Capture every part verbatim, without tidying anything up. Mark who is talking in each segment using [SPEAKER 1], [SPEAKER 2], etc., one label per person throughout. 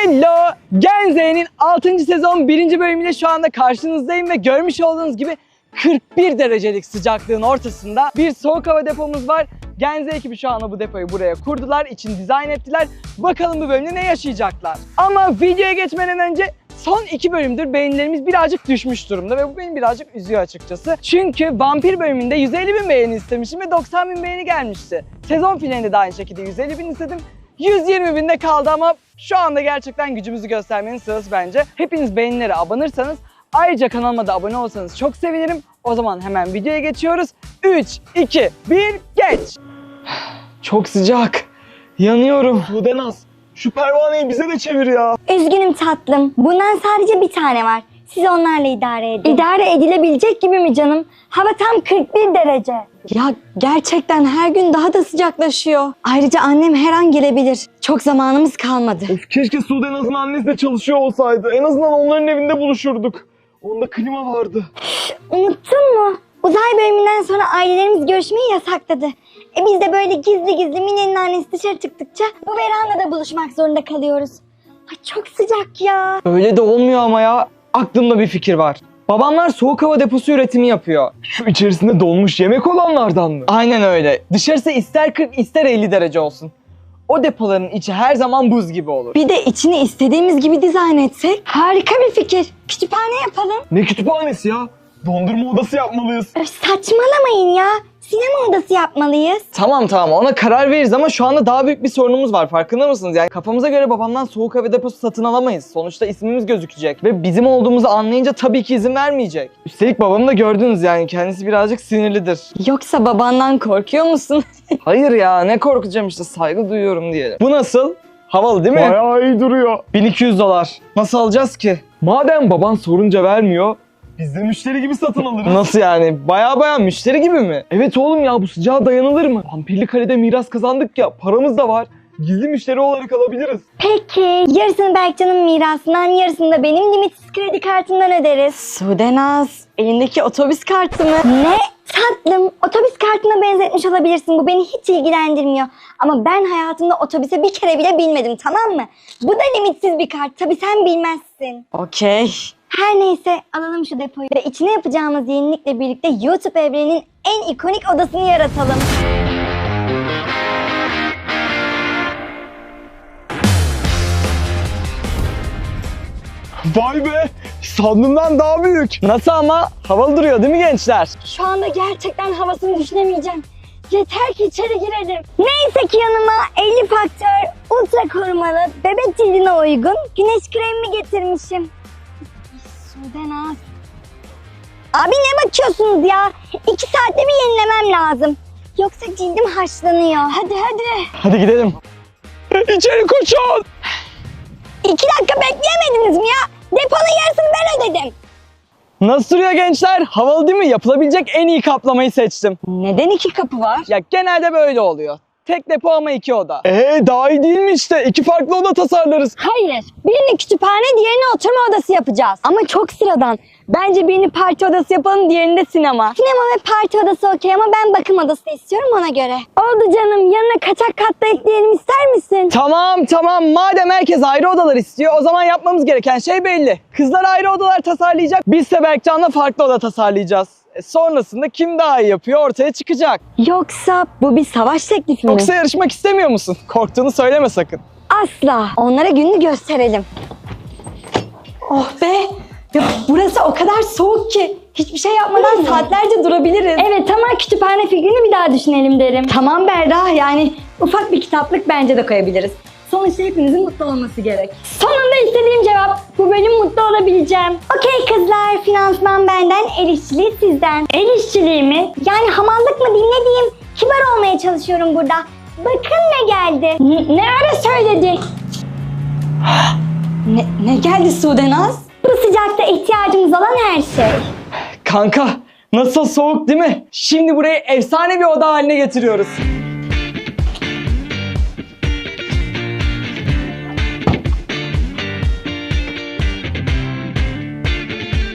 [SPEAKER 1] Hello! Gen Z'nin altıncı sezon birinci bölümüyle şu anda karşınızdayım ve görmüş olduğunuz gibi kırk bir derecelik sıcaklığın ortasında bir soğuk hava depomuz var. Gen Z ekibi şu anda bu depoyu buraya kurdular, için dizayn ettiler. Bakalım bu bölümde ne yaşayacaklar. Ama videoya geçmeden önce son iki bölümdür beğenilerimiz birazcık düşmüş durumda ve bu beni birazcık üzüyor açıkçası. Çünkü vampir bölümünde yüz elli bin beğeni istemişim ve doksan bin beğeni gelmişti. Sezon finalinde de aynı şekilde yüz elli bin istedim. yüz yirmi binde kaldı ama şu anda gerçekten gücümüzü göstermenin sırası bence. Hepiniz beğenilere abanırsanız, ayrıca kanalıma da abone olsanız çok sevinirim. O zaman hemen videoya geçiyoruz. üç, iki, bir, geç! Çok sıcak. Yanıyorum.
[SPEAKER 2] Sudenaz, şu pervaneyi bize de çevir ya.
[SPEAKER 3] Üzgünüm tatlım. Bundan sadece bir tane var. Siz onlarla idare edin. İdare edilebilecek gibi mi canım? Hava tam kırk bir derece. Ya gerçekten her gün daha da sıcaklaşıyor. Ayrıca annem her an gelebilir. Çok zamanımız kalmadı.
[SPEAKER 2] Of, keşke Sudenaz'ın annesi de çalışıyor olsaydı. En azından onların evinde buluşurduk. Onda klima vardı.
[SPEAKER 3] Unuttun mu? Uzay bölümünden sonra ailelerimiz görüşmeyi yasakladı. E biz de böyle gizli gizli Mine'nin annesi dışarı çıktıkça bu verandada buluşmak zorunda kalıyoruz. Ay çok sıcak ya.
[SPEAKER 1] Öyle de olmuyor ama ya. Aklımda bir fikir var. Babamlar soğuk hava deposu üretimi yapıyor.
[SPEAKER 2] Şu içerisinde donmuş yemek olanlardan mı?
[SPEAKER 1] Aynen öyle. Dışarısı ister kırk ister elli derece olsun. O depoların içi her zaman buz gibi olur.
[SPEAKER 3] Bir de içini istediğimiz gibi dizayn etsek harika bir fikir. Kütüphane yapalım.
[SPEAKER 2] Ne kütüphanesi ya? Dondurma odası yapmalıyız.
[SPEAKER 3] Öf, saçmalamayın ya. Sinema odası yapmalıyız.
[SPEAKER 1] Tamam tamam ona karar veririz ama şu anda daha büyük bir sorunumuz var, farkında mısınız? Yani kafamıza göre babamdan soğuk hava deposu satın alamayız. Sonuçta ismimiz gözükecek ve bizim olduğumuzu anlayınca tabii ki izin vermeyecek. Üstelik babamı da gördünüz, yani kendisi birazcık sinirlidir.
[SPEAKER 3] Yoksa babandan korkuyor musun?
[SPEAKER 1] Hayır ya, ne korkacağım, işte saygı duyuyorum diyelim. Bu nasıl? Havalı değil mi?
[SPEAKER 2] Bayağı iyi duruyor.
[SPEAKER 1] bin iki yüz dolar. Nasıl alacağız ki?
[SPEAKER 2] Madem baban sorunca vermiyor, biz de müşteri gibi satın alırız.
[SPEAKER 1] Nasıl yani? Baya baya müşteri gibi mi?
[SPEAKER 2] Evet oğlum ya, bu sıcağa dayanılır mı? Vampirli Kale'de miras kazandık ya, paramız da var. Gizli müşteri olarak alabiliriz.
[SPEAKER 3] Peki. Yarısını Berkcan'ın mirasından, yarısını da benim limitsiz kredi kartımdan öderiz. Sudenaz, elindeki otobüs kartı mı? Ne? Tatlım, otobüs kartına benzetmiş olabilirsin. Bu beni hiç ilgilendirmiyor. Ama ben hayatımda otobüse bir kere bile binmedim, tamam mı? Bu da limitsiz bir kart. Tabii sen bilmezsin.
[SPEAKER 1] Okey.
[SPEAKER 3] Her neyse, alalım şu depoyu ve içine yapacağımız yenilikle birlikte YouTube evreninin en ikonik odasını yaratalım.
[SPEAKER 2] Vay be! Sandığımdan daha büyük.
[SPEAKER 1] Nasıl ama? Havalı duruyor değil mi gençler?
[SPEAKER 3] Şu anda gerçekten havasını düşünemeyeceğim. Yeter ki içeri girelim. Neyse ki yanıma elli faktör, ultra korumalı, bebek cildine uygun güneş kremimi getirmişim. Sudenaz. Abi ne bakıyorsunuz ya? İki saatte bir yenilemem lazım. Yoksa cildim haşlanıyor. Hadi hadi.
[SPEAKER 1] Hadi gidelim.
[SPEAKER 2] İçeri koşun!
[SPEAKER 3] İki dakika bekleyemediniz mi ya? Deponun yarısını ben ödedim.
[SPEAKER 1] Nasıl duruyor gençler? Havalı değil mi? Yapılabilecek en iyi kaplamayı seçtim.
[SPEAKER 3] Neden iki kapı var?
[SPEAKER 1] Ya genelde böyle oluyor. Tek depo ama iki oda.
[SPEAKER 2] Ee daha iyi değil mi işte? İki farklı oda tasarlarız.
[SPEAKER 3] Hayır. Birini kütüphane, diğerini oturma odası yapacağız. Ama çok sıradan. Bence birini parti odası yapalım, diğerini de sinema. Sinema ve parti odası okey ama ben bakım odası istiyorum, ona göre. Oldu canım. Yanına kaçak katla ekleyelim, ister misin?
[SPEAKER 1] Tamam tamam, madem herkes ayrı odalar istiyor, o zaman yapmamız gereken şey belli. Kızlar ayrı odalar tasarlayacak, biz de Berkcan'la farklı oda tasarlayacağız. E sonrasında kim daha iyi yapıyor ortaya çıkacak.
[SPEAKER 3] Yoksa bu bir savaş teklifi mi?
[SPEAKER 1] Yoksa yarışmak istemiyor musun? Korktuğunu söyleme sakın.
[SPEAKER 3] Asla. Onlara gününü gösterelim. Oh be! Ya burası o kadar soğuk ki hiçbir şey yapmadan saatlerce durabiliriz. Evet ama kütüphane fikrini bir daha düşünelim derim. Tamam Berra, yani ufak bir kitaplık bence de koyabiliriz. Sonuçta hepinizin mutlu olması gerek. Sonunda istediğim cevap. Bu bölüm mutlu olabileceğim. Okey kızlar, finansman benden, el işçiliği sizden. El işçiliği mi? Yani hamallık mı diyeyim, ne diyeyim? Kibar olmaya çalışıyorum burada. Bakın ne geldi. N- ne ara söyledin? ne, ne geldi Sudenaz? Bu sıcakta ihtiyacımız olan her şey.
[SPEAKER 1] Kanka, nasıl soğuk değil mi? Şimdi burayı efsane bir oda haline getiriyoruz.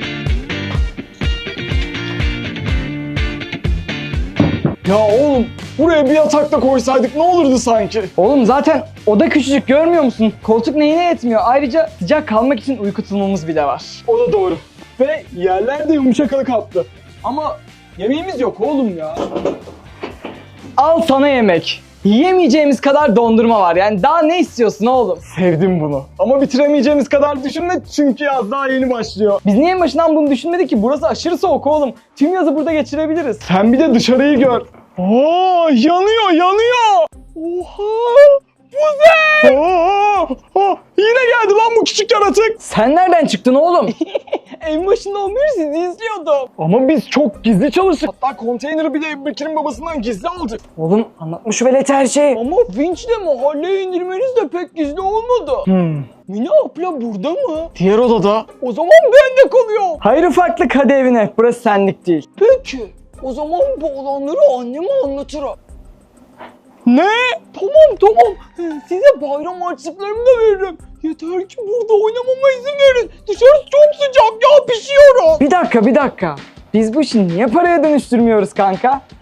[SPEAKER 2] Ya oğlum, Buraya bir yatak da koysaydık ne olurdu sanki?
[SPEAKER 1] Oğlum zaten oda küçücük, görmüyor musun? Koltuk neyine yetmiyor. Ayrıca sıcak kalmak için uyku tulumumuz bile var.
[SPEAKER 2] O da doğru. Ve yerler de yumuşak kaplı. Ama yemeğimiz yok oğlum ya.
[SPEAKER 1] Al sana yemek. Yiyemeyeceğimiz kadar dondurma var. Yani daha ne istiyorsun oğlum?
[SPEAKER 2] Sevdim bunu. Ama bitiremeyeceğimiz kadar düşünme çünkü yaz daha yeni başlıyor.
[SPEAKER 1] Biz niye en başından bunu düşünmedik ki? Burası aşırı soğuk oğlum. Tüm yazı burada geçirebiliriz.
[SPEAKER 2] Sen bir de dışarıyı gör. Oo, yanıyor yanıyor. Oha! Buzey! Oo, oo, yine geldi lan bu küçük yaratık.
[SPEAKER 1] Sen nereden çıktın oğlum? En başında olmuyor, sizi izliyordum.
[SPEAKER 2] Ama biz çok gizli çalıştık. Hatta konteyneri bile Ebu Bekir'in babasından gizli aldık.
[SPEAKER 1] Oğlum anlatmış velet her şeyi.
[SPEAKER 2] Ama vinçle mahalleye indirmeniz de pek gizli olmadı.
[SPEAKER 1] Hmm.
[SPEAKER 2] Mine abla burada mı? Diğer odada. O zaman ben de kalıyorum.
[SPEAKER 1] Hayır ufaklık, hadi evine. Burası senlik değil.
[SPEAKER 2] Peki. O zaman bu olanları anneme anlatırım. Ne? Tamam tamam. Size bayram harçlıklarımı da veririm. Yeter ki burada oynamama izin verin. Dışarısı çok sıcak ya, pişiyorum.
[SPEAKER 1] Bir dakika bir dakika. Biz bu işi niye paraya dönüştürmüyoruz kanka? Heh.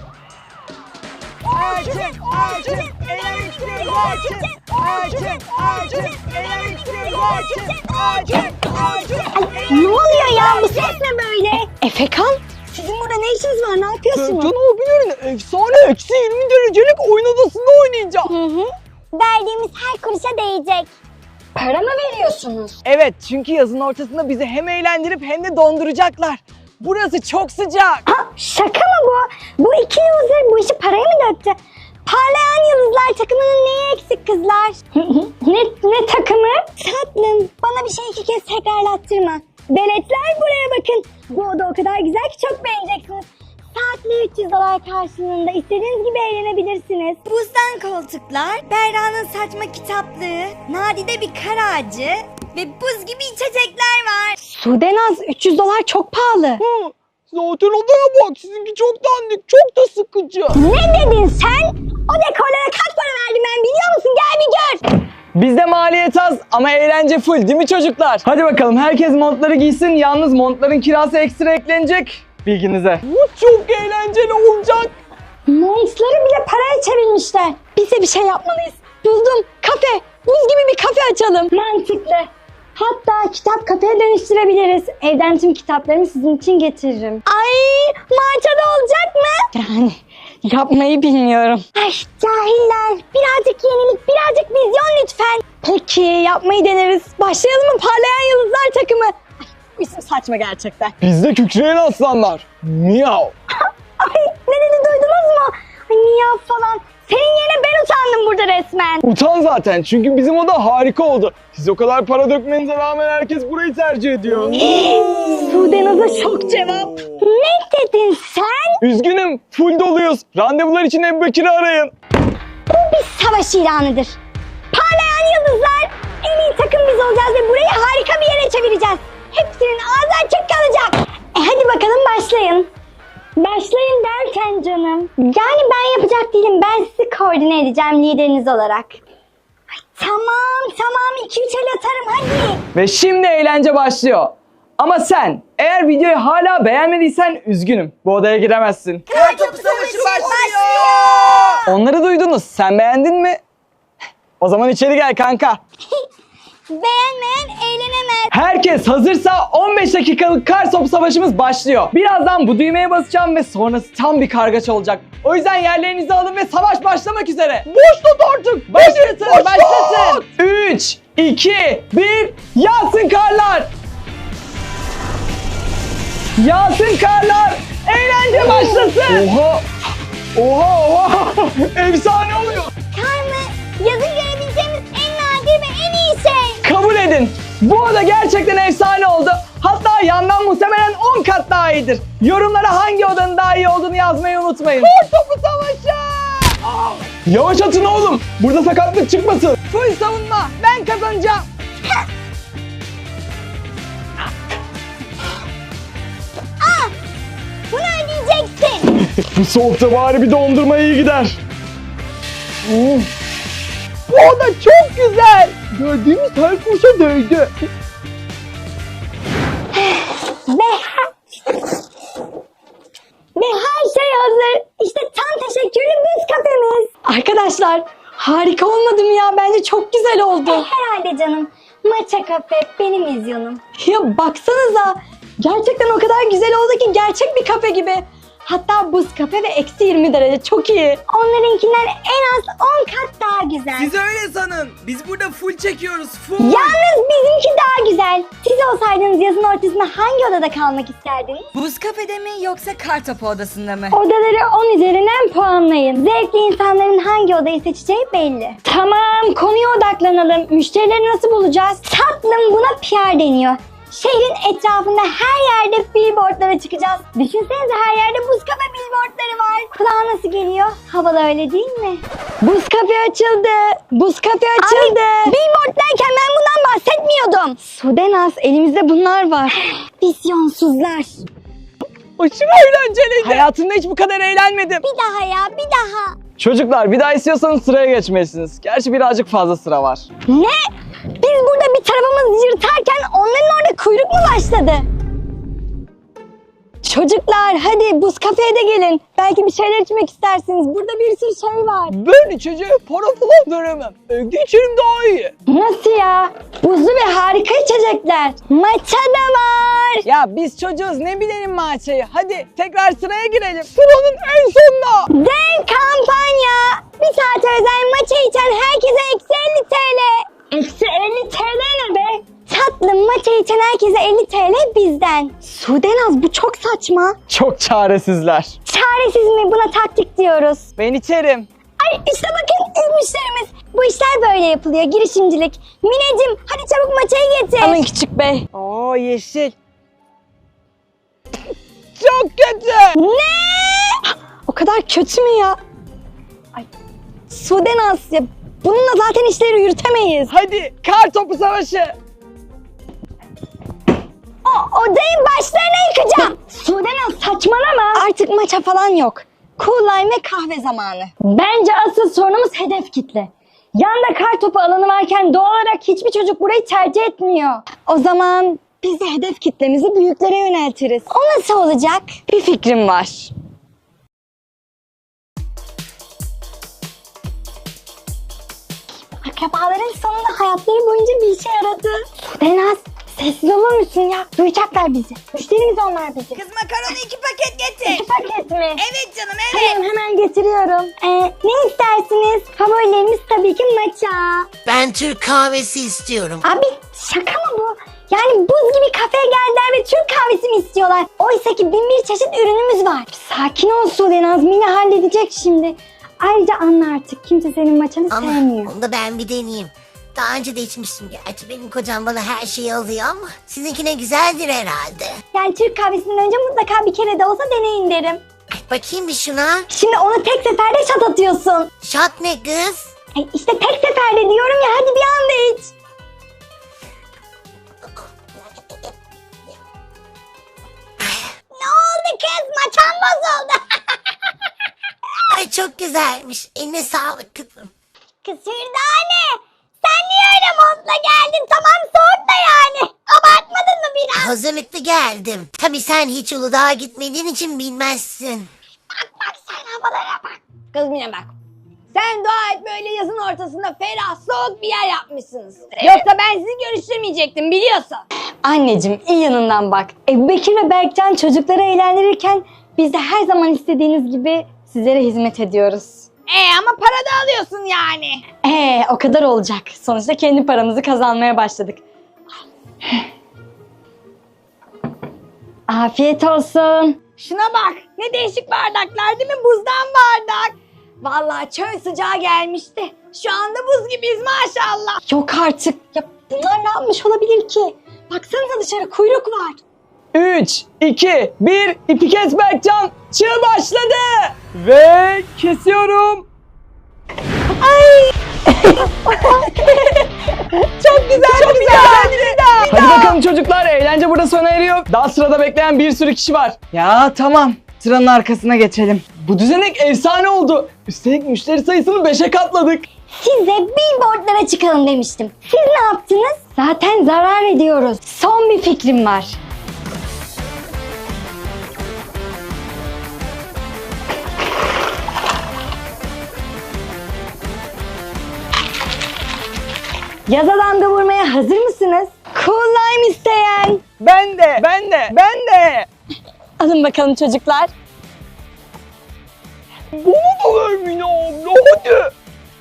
[SPEAKER 4] Açın, açın, elektriği açın. Açın, açın, elektriği açın. Açın, açın.
[SPEAKER 3] Ne oluyor ya? Bu ses ne böyle? Efekan, sizin burada ne işiniz var? Ne yapıyorsunuz?
[SPEAKER 2] Sercan abilerin efsane eksi yirmi derecelik oyun odasında oynayacağım.
[SPEAKER 3] Hı hı. Verdiğimiz her kuruşa değecek. Para mı veriyorsunuz?
[SPEAKER 1] Evet, çünkü yazın ortasında bizi hem eğlendirip hem de donduracaklar. Burası çok sıcak.
[SPEAKER 3] Ha, şaka mı bu? Bu iki yıldızlar bu işi paraya mı döktü? Parlayan yıldızlar takımının neyi eksik kızlar? ne, ne takımı? Tatlım, bana bir şey iki kez tekrarlattırma. Veletler buraya bakın. Bu oda o kadar güzel ki çok beğeneceksiniz. Saatli üç yüz dolar karşılığında istediğiniz gibi eğlenebilirsiniz. Buzdan koltuklar, Berra'nın saçma kitaplığı, nadide bir kar ağacı ve buz gibi içecekler var. Sudenaz, üç yüz dolar çok pahalı.
[SPEAKER 2] Hı, zaten odaya bak, sizinki çok dandik, çok da sıkıcı.
[SPEAKER 3] Ne dedin sen? O dekorlara kaç para verdim ben biliyor musun? Gel bir gör.
[SPEAKER 1] Bizde maliyet az ama eğlence full, değil mi çocuklar? Hadi bakalım, herkes montları giysin. Yalnız montların kirası ekstra eklenecek. Bilginize.
[SPEAKER 2] Bu çok eğlenceli olacak.
[SPEAKER 3] Montları bile paraya çevirmişler. Biz de bir şey yapmalıyız. Buldum. Kafe. Buz gibi bir kafe açalım. Mantıklı. Hatta kitap kafeye dönüştürebiliriz. Evden tüm kitaplarımı sizin için getiririm. Ay, maçada olacak mı? Yani yapmayı bilmiyorum. Ay cahiller. Birazcık yenilik, birazcık vizyon lütfen. Peki yapmayı deneriz. Başlayalım mı Parlayan Yıldızlar takımı? Ay, bu isim saçma gerçekten.
[SPEAKER 2] Bizde kükreyen aslanlar. Miau.
[SPEAKER 3] Ay ne dedi duydunuz mu? Ay miyav falan. Senin yerine ben utandım burada resmen.
[SPEAKER 2] Utan zaten çünkü bizim oda harika oldu. Siz o kadar para dökmenize rağmen herkes burayı tercih ediyor.
[SPEAKER 3] Sudenaz'a şok cevap. Ne dedin sen?
[SPEAKER 2] Üzgünüm, full doluyuz. Randevular için Ebu Bekir'i arayın.
[SPEAKER 3] Bu bir savaş ilanıdır. Parlayan Yıldızlar, en iyi takım biz olacağız ve burayı harika bir yere çevireceğiz. Hepsinin ağzı açık kalacak. E hadi bakalım başlayın. Başlayın derken canım. Yani ben yapacak değilim. Ben sizi koordine edeceğim lideriniz olarak. Ay, tamam tamam iki üç el atarım hadi.
[SPEAKER 1] Ve şimdi eğlence başlıyor. Ama sen eğer videoyu hala beğenmediysen üzgünüm. Bu odaya giremezsin.
[SPEAKER 4] Kartopu savaşı başlıyor.
[SPEAKER 1] Onları duydunuz. Sen beğendin mi? O zaman içeri gel kanka.
[SPEAKER 3] Beğenmeyen eğlenemez.
[SPEAKER 1] Herkes hazırsa on beş dakikalık kar topu savaşımız başlıyor. Birazdan bu düğmeye basacağım ve sonrası tam bir kargaşa olacak. O yüzden yerlerinizi alın ve savaş başlamak üzere. Başlat artık. Başlatın,
[SPEAKER 2] Başlat.
[SPEAKER 1] başlatın. üç, iki, bir, yağsın karlar. Yağsın karlar. Eğlence başlasın.
[SPEAKER 2] Oha! Oha oha! Efsane oluyor.
[SPEAKER 3] Kar mı? Yazın görebileceğimiz en nadir ve en iyi şey.
[SPEAKER 1] Kabul edin. Bu oda gerçekten efsane oldu. Hatta yandan muhtemelen on kat daha iyidir. Yorumlara hangi odanın daha iyi olduğunu yazmayı unutmayın.
[SPEAKER 2] Topu savaşı! Yavaş atın oğlum. Burada sakatlık çıkmasın.
[SPEAKER 1] Full savunma. Ben kazanacağım.
[SPEAKER 3] Bunu ödeyeceksin.
[SPEAKER 2] Bu soğukta bari bir dondurma iyi gider. Hmm.
[SPEAKER 1] Bu oda çok güzel. Gördüğümüz her kurşa değdi.
[SPEAKER 3] Ve ve her şey hazır. İşte tam teşekkürlü Çocuklar harika olmadı mı ya? Bence çok güzel oldu. herhalde canım. Maça kafe benim vizyonum. Ya baksanıza. Gerçekten o kadar güzel oldu ki gerçek bir kafe gibi. Hatta buz kafe ve eksi yirmi derece çok iyi. Onlarınkinden en az on kat daha güzel.
[SPEAKER 4] Siz öyle sanın. Biz burada full çekiyoruz. Full.
[SPEAKER 3] Yalnız bizimki daha güzel. Siz olsaydınız yazın ortasında hangi odada kalmak isterdiniz?
[SPEAKER 5] Buz kafede mi yoksa kartopu odasında mı?
[SPEAKER 3] Odaları on üzerinden puanlayın. Zevkli insanların hangi odayı seçeceği belli. Tamam, konuya odaklanalım. Müşterileri nasıl bulacağız? Tatlım, buna P R deniyor. Şehrin etrafında her yerde billboardlara çıkacağız. Düşünsenize her yerde buz kafe billboardları var. Kulağa nasıl geliyor? Havalı öyle değil mi? Buz kafe açıldı. Buz kafe açıldı. Abi, billboard derken ben bundan bahsetmiyordum. Sudenaz, elimizde bunlar var. Vizyonsuzlar.
[SPEAKER 1] Aşırı eğlenceliydi. Hayatımda hiç bu kadar eğlenmedim.
[SPEAKER 3] Bir daha ya, bir daha.
[SPEAKER 1] Çocuklar bir daha istiyorsanız sıraya geçmelisiniz. Gerçi birazcık fazla sıra var.
[SPEAKER 3] Ne? Biz burada bir tarafımız yırtarken onların orada kuyruk mu başladı? Çocuklar hadi buz kafeye de gelin. Belki bir şeyler içmek istersiniz. Burada bir sürü şey var.
[SPEAKER 1] Ben içeceğe para falan veremem. Evde içerim daha iyi.
[SPEAKER 3] Nasıl ya? Buzlu ve harika içecekler. Matcha da var.
[SPEAKER 1] Ya biz çocuğuz ne bilelim maçayı. Hadi tekrar sıraya girelim. Sıranın en sonuna.
[SPEAKER 3] Dev kampanya. Bir saat özel matcha içen herkese eksi elli TL. Eksi elli TL ne be? Tatlım, matcha içen herkese elli TL bizden. Sudenaz, bu çok saçma.
[SPEAKER 1] Çok çaresizler.
[SPEAKER 3] Çaresiz mi? Buna taktik diyoruz.
[SPEAKER 1] Ben içerim.
[SPEAKER 3] Ay işte bakın ilk müşterimiz. Bu işler böyle yapılıyor, girişimcilik. Mineciğim hadi çabuk matchayı getir.
[SPEAKER 1] Alın küçük bey. Oo yeşil. Çok kötü.
[SPEAKER 3] Ne? O kadar kötü mü ya? Ay, Sudenaz ya, bununla zaten işleri yürütemeyiz.
[SPEAKER 1] Hadi kar topu savaşı.
[SPEAKER 3] O odayı başlarına yıkacağım. Sudenaz saçmalama. Artık maça falan yok. Cool lime ve kahve zamanı. Bence asıl sorunumuz hedef kitle. Yanda kar topu alanı varken doğal olarak hiçbir çocuk burayı tercih etmiyor. O zaman biz de hedef kitlemizi büyüklere yöneltiriz. O nasıl olacak?
[SPEAKER 1] Bir fikrim var.
[SPEAKER 3] Akrabaların sonunda hayatları boyunca bir işe yaradı. Sudenaz, sessiz olur musun ya? Duyacaklar bizi. Müşterimiz onlar bizi.
[SPEAKER 5] Kız makaronu iki paket getir.
[SPEAKER 3] İki paket mi?
[SPEAKER 5] Evet canım evet.
[SPEAKER 3] Tamam, hemen getiriyorum. Ee, ne istersiniz? Favorilerimiz tabii ki matcha.
[SPEAKER 6] Ben Türk kahvesi istiyorum.
[SPEAKER 3] Abi şaka mı bu? Yani buz gibi kafeye geldiler ve Türk kahvesi mi istiyorlar? Oysa ki bin bir çeşit ürünümüz var. Sakin ol Sudenaz, Mine halledecek şimdi. Ayrıca anla artık, kimse senin maçanı
[SPEAKER 6] Ama
[SPEAKER 3] sevmiyor.
[SPEAKER 6] onu da ben bir deneyeyim. Daha önce de içmiştim gerçi. Benim kocam bana her şeyi alıyor ama sizinkine güzeldir herhalde.
[SPEAKER 3] Yani Türk kahvesinden önce mutlaka bir kere de olsa deneyin derim.
[SPEAKER 6] Ay, bakayım bir şuna.
[SPEAKER 3] Şimdi onu tek seferde şat atıyorsun.
[SPEAKER 6] Şat ne kız?
[SPEAKER 3] Ay işte tek seferde diyorum ya, hadi bir anda iç. Ne oldu kız? Maçan bozuldu.
[SPEAKER 6] Ay çok güzelmiş. Eline sağlık kızım.
[SPEAKER 3] Kız Hürdane, sen niye öyle montla geldin? Tamam soğuk da yani. Abartmadın mı biraz?
[SPEAKER 6] Hazırlıklı geldim. Tabii sen hiç Uludağ'a gitmediğin için bilmezsin.
[SPEAKER 3] Bak sen havalara bak.
[SPEAKER 2] Kız Mine bak. Sen dua et böyle yazın ortasında ferah soğuk bir yer yapmışsınız. Yoksa ben sizi görüştürmeyecektim biliyorsun.
[SPEAKER 3] Anneciğim iyi yanından bak. Ebu Bekir ve Berkcan çocukları eğlendirirken biz de her zaman istediğiniz gibi sizlere hizmet ediyoruz.
[SPEAKER 2] E ama para da alıyorsun yani.
[SPEAKER 3] Ee, o kadar olacak. Sonuçta kendi paramızı kazanmaya başladık. Afiyet olsun.
[SPEAKER 2] Şuna bak ne değişik bardaklar değil mi? Buzdan bardak. Vallahi çöl sıcağı gelmişti. Şu anda buz gibiyiz maşallah.
[SPEAKER 3] Yok artık. Ya bunlar ne yapmış olabilir ki? Baksanıza dışarı kuyruk var.
[SPEAKER 1] üç, iki, bir, ipi kes Berkcan. Çığ başladı. Ve kesiyorum. Ay. Çok güzel, çok güzel. Hadi bakalım çocuklar, eğlence burada sona eriyor. Daha sırada bekleyen bir sürü kişi var. Ya tamam, sıranın arkasına geçelim. Bu düzenek efsane oldu. Üstelik müşteri sayısını beşe katladık.
[SPEAKER 3] Size billboardlara çıkalım demiştim. Siz ne yaptınız? Zaten zarar ediyoruz. Son bir fikrim var. Yaza damga vurmaya hazır mısınız? Cool lime isteyen.
[SPEAKER 1] Ben de, ben de, ben de.
[SPEAKER 3] Alın bakalım çocuklar.
[SPEAKER 1] Bana da ver Mine abla hadi.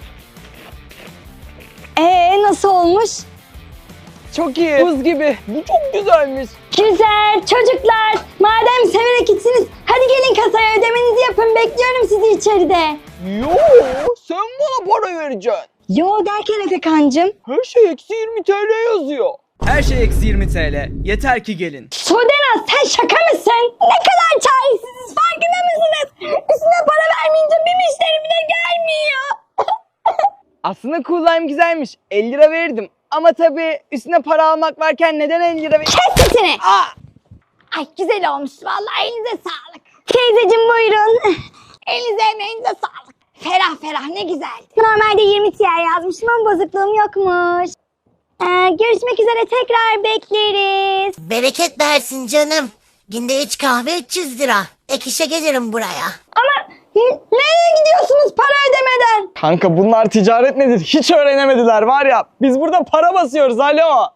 [SPEAKER 3] Ee nasıl olmuş?
[SPEAKER 1] Çok iyi. Buz gibi. Bu çok güzelmiş.
[SPEAKER 3] Güzel çocuklar. Madem severek içsiniz hadi gelin kasaya ödemenizi yapın. Bekliyorum sizi içeride.
[SPEAKER 1] Yo, sen bana para vereceksin.
[SPEAKER 3] Yo derken Efekancığım.
[SPEAKER 1] Her şey eksi yirmi T L yazıyor.
[SPEAKER 4] Her şey eksi yirmi T L. Yeter ki gelin.
[SPEAKER 3] Sodena sen şaka mısın? Ne kadar çaresiziz farkında mısınız? Üstüne para vermeyince bir müşteri bile gelmiyor.
[SPEAKER 1] Aslında Cool Lime güzelmiş. elli lira verirdim. Ama tabii üstüne para almak varken neden elli lira ver...
[SPEAKER 3] Kes sesini.
[SPEAKER 1] Aa!
[SPEAKER 3] Ay güzel olmuş vallahi elinize sağlık. Teyzeciğim buyurun. Elinize emeğinize sağlık. Ferah ferah ne güzel. Normalde yirmi T L yazmışım ama bozukluğum yokmuş. Ee, görüşmek üzere tekrar bekleriz.
[SPEAKER 6] Bereket versin canım. Günde üç kahve üç yüz lira. Ek işe gelirim buraya.
[SPEAKER 3] Ama n- nereye gidiyorsunuz para ödemeden?
[SPEAKER 1] Kanka bunlar ticaret nedir? Hiç öğrenemediler var ya. Biz burada para basıyoruz alo.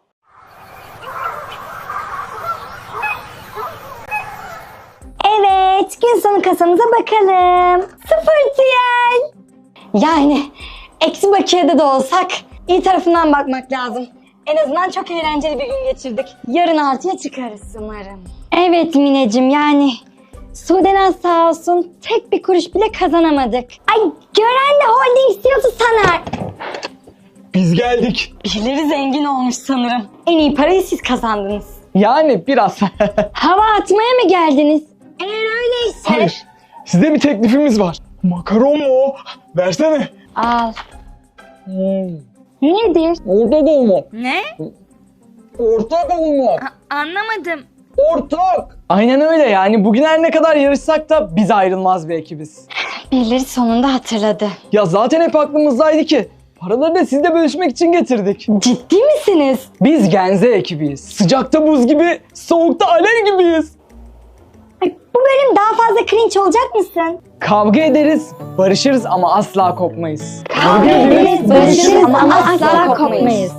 [SPEAKER 3] Evet gün sonu kasamıza bakalım. Sıfır T L. Yani eksi bakiyede de olsak iyi tarafından bakmak lazım. En azından çok eğlenceli bir gün geçirdik. Yarın artıya çıkarız umarım. Evet Mineciğim yani Sudenaz sağ olsun tek bir kuruş bile kazanamadık. Ay gören de holding C E O'su sanar.
[SPEAKER 1] Biz geldik.
[SPEAKER 3] Birileri zengin olmuş sanırım. En iyi parayı siz kazandınız.
[SPEAKER 1] Yani biraz.
[SPEAKER 3] Hava atmaya mı geldiniz? Eğer öyleyse...
[SPEAKER 1] Hayır. Size bir teklifimiz var. Makaron mu o? Versene.
[SPEAKER 3] Al.
[SPEAKER 1] Hmm.
[SPEAKER 3] Nedir?
[SPEAKER 1] Ortak olmak.
[SPEAKER 5] Ne?
[SPEAKER 1] Ortak olmak.
[SPEAKER 5] A- anlamadım.
[SPEAKER 1] Ortak. Aynen öyle yani. Bugün her ne kadar yarışsak da biz ayrılmaz bir ekibiz.
[SPEAKER 3] Birileri sonunda hatırladı.
[SPEAKER 1] Ya zaten hep aklımızdaydı ki. Paraları da sizle bölüşmek için getirdik.
[SPEAKER 3] Ciddi misiniz?
[SPEAKER 1] Biz Genze ekibiyiz. Sıcakta buz gibi, soğukta alev gibiyiz.
[SPEAKER 3] Ay, bu bölüm daha fazla cringe olacak mısın?
[SPEAKER 1] Kavga ederiz, barışırız ama asla kopmayız.
[SPEAKER 3] Kavga ederiz, barışırız ama asla kopmayız.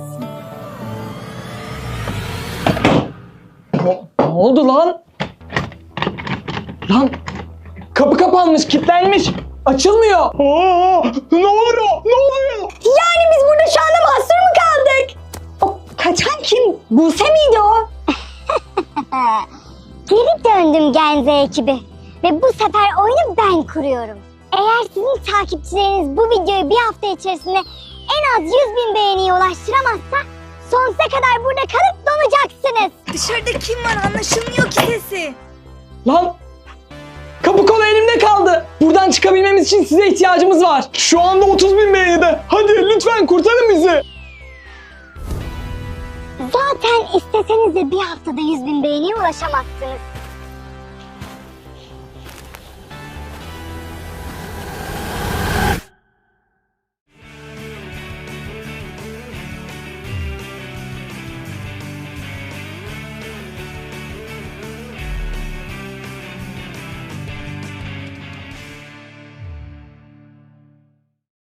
[SPEAKER 1] Ne, ne oldu lan? Lan kapı kapanmış, kilitlenmiş. Açılmıyor. Aa, ne oluyor? Ne oluyor?
[SPEAKER 3] Yani biz burada şu anda mahsur mu kaldık? O kaçan kim? Buse miydi o?
[SPEAKER 7] Geri döndüm Genze ekibi ve bu sefer oyunu ben kuruyorum. Eğer sizin takipçileriniz bu videoyu bir hafta içerisinde en az yüz bin beğeniye ulaştıramazsa sonsuza kadar burada kalıp donacaksınız.
[SPEAKER 5] Dışarıda kim var anlaşılmıyor ki sesi.
[SPEAKER 1] Lan kapı kolu elimde kaldı. Buradan çıkabilmemiz için size ihtiyacımız var. Şu anda otuz bin beğenide. Hadi lütfen kurtarın bizi.
[SPEAKER 7] Zaten isteseniz de bir haftada yüz bin beğeniye ulaşamazsınız.